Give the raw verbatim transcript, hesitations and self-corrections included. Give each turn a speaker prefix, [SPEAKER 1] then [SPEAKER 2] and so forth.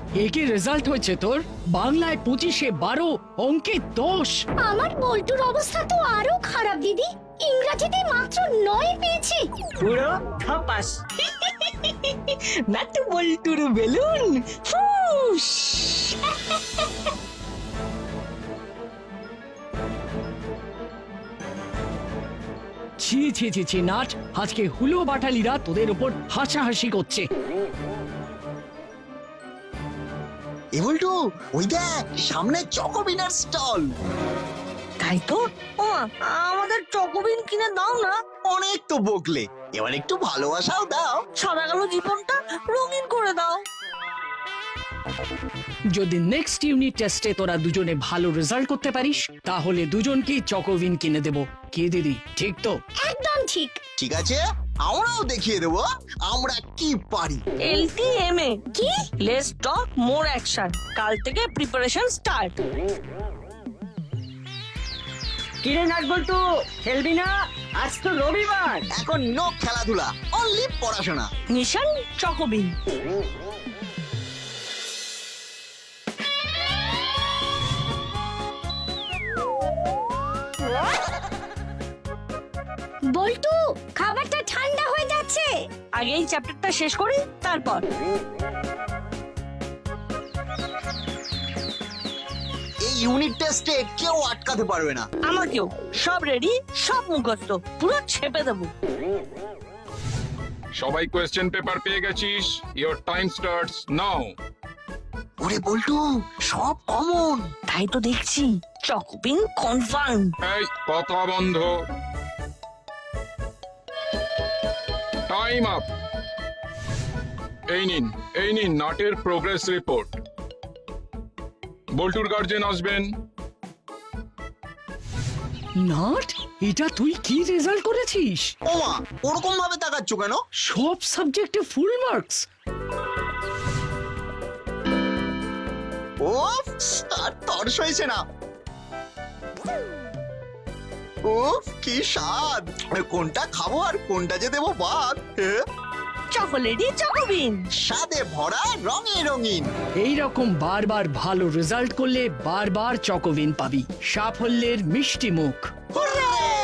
[SPEAKER 1] একে রেজাল্ট হয়েছে তোর? বাংলায় পঁচিশে বারো, অঙ্কে দশ।
[SPEAKER 2] আমার বল্টুর অবস্থা তো আরো খারাপ দিদি, ইংরাজিতে মাত্র নয় পেয়েছি।
[SPEAKER 3] পুরো খাপাস নাটু বল্টুর বেলুন ফুস।
[SPEAKER 1] ছি ছি ছি ছি নাট, আজকে হুলো বাটালিরা তোদের উপর হাসাহাসি করছে।
[SPEAKER 4] এ বল্টু, ওই দেখ সামনে চকোবিনার স্টল।
[SPEAKER 3] তাই তো, ও আমাদের চকোবিন কিনে দাও না।
[SPEAKER 4] অনেক তো বকলে, এবার একটু ভালোবাসাও দাও।
[SPEAKER 3] সাদা কালো জীবনটা রঙিন করে দাও।
[SPEAKER 1] যদি নেক্সট ইউনিট টেস্টে তোরা দুজনে ভালো রেজাল্ট করতে পারিস তাহলে দুজনকেই চকোভিন কিনে দেব। কি দিদি, ঠিক তো?
[SPEAKER 2] একদম ঠিক।
[SPEAKER 4] ঠিক আছে, আমরাও দেখিয়ে দেবো আমরা কি পারি।
[SPEAKER 3] এলটিএমএ কি? Let's talk more action. কাল থেকে প্রিপারেশন স্টার্ট।
[SPEAKER 5] কিরে নাট বল্টু, খেলবি না? আজ তো রবিবার।
[SPEAKER 4] এখন নো খেলাধুলা, অনলি পড়াশোনা।
[SPEAKER 3] মিশন চকোবিন।
[SPEAKER 2] বল্টু, খাবারটা ঠান্ডা হয়ে যাচ্ছে।
[SPEAKER 3] আগে এই চ্যাপ্টারটা শেষ করি, তারপর।
[SPEAKER 4] এই ইউনিট টেস্টে কেউ আটকাতে পারবে না।
[SPEAKER 3] আমাকেও। সব রেডি, সব মুখস্থ, পুরো ছেপে দেবো।
[SPEAKER 6] সবাই কোয়েশ্চেন পেপার পেয়ে গেছিস? Your time starts now.
[SPEAKER 4] ওরে বল্টু, সব কমন।
[SPEAKER 3] তাই তো দেখছি, চকোবিন কনফার্ম।
[SPEAKER 6] এই কথা বন্ধ। Time up. এই নিন, এই নিন নাটের প্রোগ্রেস রিপোর্ট। বল্টুর গার্জেন আসবেন।
[SPEAKER 1] নাট, এটা তুই কি রেজাল্ট করেছিস?
[SPEAKER 4] ওমা, ওরকম ভাবে তাকাচ্ছ কেন?
[SPEAKER 1] সব সাবজেক্টে ফুল মার্কস।
[SPEAKER 4] ওফ, আর তর্স হয়েছে না। উফ, কি স্বাদ! কোনটা খাবো আর কোনটা যে দেবো বাদ।
[SPEAKER 3] চকোলেটই চকোবিন।
[SPEAKER 4] স্বাদে ভরা, রঙে রঙিন।
[SPEAKER 1] এই রকম বারবার ভালো রেজাল্ট করলে বারবার চকোভিন পাবি। সাফল্যের মিষ্টি মুখ।
[SPEAKER 4] হুররে!